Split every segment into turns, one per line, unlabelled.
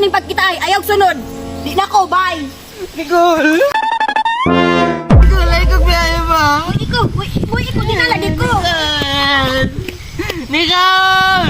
ning pagkita ay ayaw sunod. Di na ko, bye.
Nicole! Nicole, ay kong biyahe ba?
Uy, ikaw din na lagi ko.
Nicole!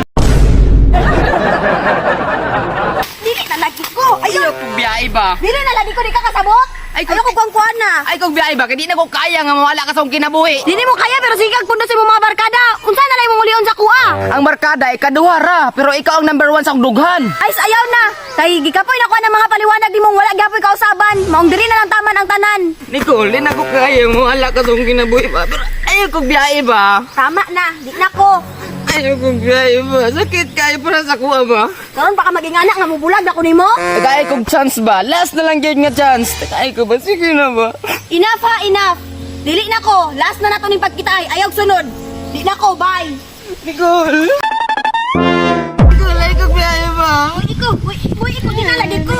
Dili na lagi ko.
Ayaw kong biyahe ba?
Dili na lagi ko, di ka kasabot. Ayaw ko kuwang na.
Ay kong biyahe ba? Kaya di na ko kaya nga mawala ka sa akong kinabuhi.
Dili mo kaya pero sige kag pundo sa imong mga barkada. Unsa na lang imong ulion sa kuha?
Ang barkada ay kaduha ra, pero ikaw ang number 1 sa akong dughan.
Ay, ayaw na. Kay gikapoy na ko ng mga paliwanag di mong wala gyapoy kausaban. Maong diri na lang taman ang tanan.
Nicole, di na ko kaya mawala ka sa akong kinabuhi ba? Pero ayaw kong biyahe ba?
Tama na, di na ko.
Ayaw kong biyahe ba? Sakit kayo para sa kuha ba?
Karon pa ka maging anak nga mubulag na ko nimo.
Kaya kong chance ba? Last na lang yun nga chance. Kaya ko ba? Sige na ba?
Enough ha, enough. Dili na ko. Last na nato ning pagkita ay ayaw sunod. Di na ko, bye.
Nicole! Nicole, ay kong biyahe ba?
Uy, ikaw din na lagi ko.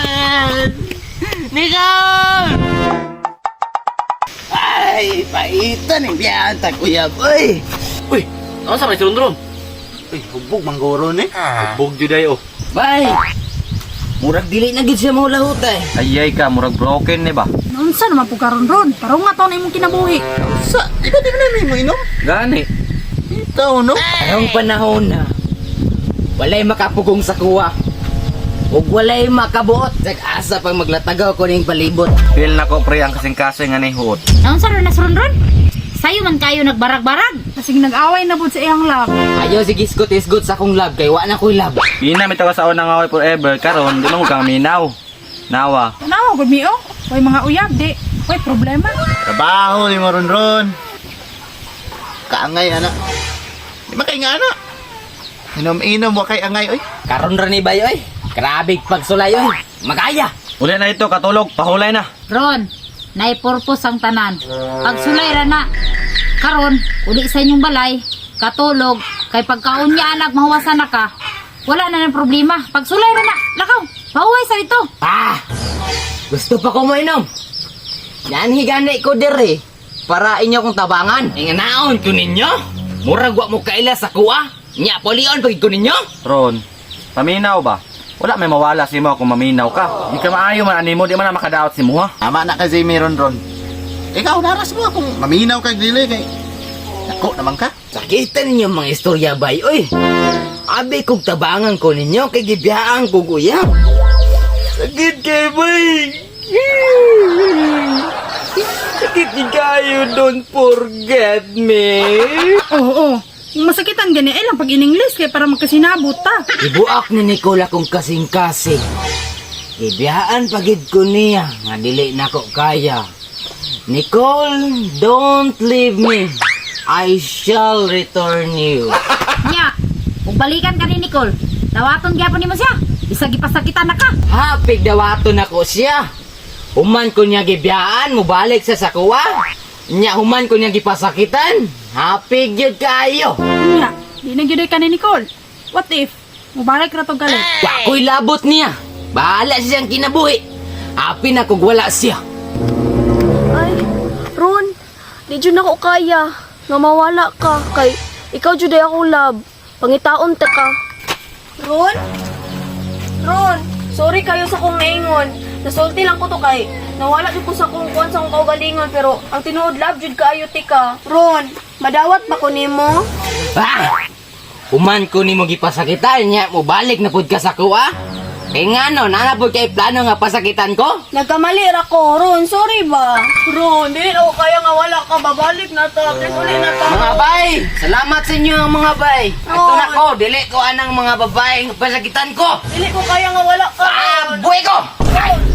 Nicole! Ay, paitan yung biyahan ta, kuya boy.
Uy, ano sa may surundron? Uy, hubbog manggoro ni. Hubbog juday oh.
Bay! Murag dili na gid siya mo lahot eh.
Ayay ka, murag broken ni ba?
Unsa naman po karon ron? Parang nga to na imong kinabuhi.
Sa, di ba di na mo inom?
Gani.
Ito, no? Karong panahon na, walay makapugong sa kuwa. Ug walay makabuot. Asa pang maglatagaw ko ning palibot.
Feel na ko pre ang kasing-kasing nga ni huot.
Unsa ron na ron? Sayo man kayo nagbarag-barag. Kasi nag-away na pud sa iyang love.
Ayaw si gisgot-isgot sa akong lab, kay wa na ko'y lab.
Pina may tawa sa unang away forever, karon di mo kang minaw. Nawa.
Tanaw gud mi oh. Way mga uyab di. Way problema.
Trabaho ni Maron-ron. Kaangay, anak. Di ba kay nga, anak? Inom-inom mo kay angay, oy.
Karon ra ni Bay oy. Grabe pagsulay oy. Magaya.
Uli na ito, katulog, pahulay na.
Ron, naipurpos ang tanan. Pagsulay ra na. Karon, uli sa inyong balay, katulog, kay pagkaon niya anak mahuwasan na ka. Wala na ng problema. Pagsulay ra na. Lakaw, pauwi sa ito.
Ah! Gusto pa ko mo inom. Yan higani ko diri. Para inyo kong tabangan. Inganaon ko ninyo. Murag wa mo kaila sa kuwa. Nya polion pag ko ninyo.
Ron, paminaw ba? Wala may mawala si mo kung maminaw ka. Di ka maayo man animo, di man na makadaot si mo ha.
Tama na kasi Maron-ron. Ikaw, naras mo kung maminaw kay dili kay... Ako naman ka.
Sakitan ninyo mga istorya bay oy. Abi kong tabangan ko ninyo kay gibiyaan ko kuya. Sakit kay bay. Sakit ni kayo, don't forget me.
Oo. Yung masakitan gani ay lang pag in-English kay para magkasinabot ta.
Ibuak ni Nicola kung kasing-kasing. Ibiyaan pagid ko niya, nga dili na ko kaya. Nicole, don't leave me. I shall return you.
Nya, kung balikan ka ni Nicole, dawaton gyapon nimo siya. Bisag ipasakitan na ka.
Hapig dawaton ako siya. Human ko niya gibiyaan, mubalik sa sakuwa. Nya human ko niya gipasakitan. Hapig yun kayo.
Nya, di na gyud ka ni Nicole. What if mubalik ra to galit?
Wa ko'y labot niya. Bahala siyang kinabuhi. Happy na kung wala siya.
Ay, Ron, di dyan ako kaya. Nga mawala ka. Kay, ikaw dyan ay akong love. Pangitaon ta ka. Ron? Ron, sorry kayo sa kong naingon. Nasulti lang ko to kay. Nawala dyan ko sa kong kuwan sa kong kaugalingon. Pero ang tinuod love dyan kaayo tika. Ron, madawat ba ko nimo?
Ah! Human ko ni mo gipasakitan niya. Mubalik na pud ka sa kuwa. Kaya nga no, nanapod kay plano nga pasakitan ko.
Nagkamali ra ko, Ron. Sorry ba? Ron, di ako kaya nga wala ka. Babalik na ta. Please, uli na ta.
Mga bay, salamat sa inyo mga bay. Ito
Oo.
na ko, dili ko anang mga babaeng pasakitan ko.
Dili ko kaya nga wala ka.
Ah, buhay ko! Ay!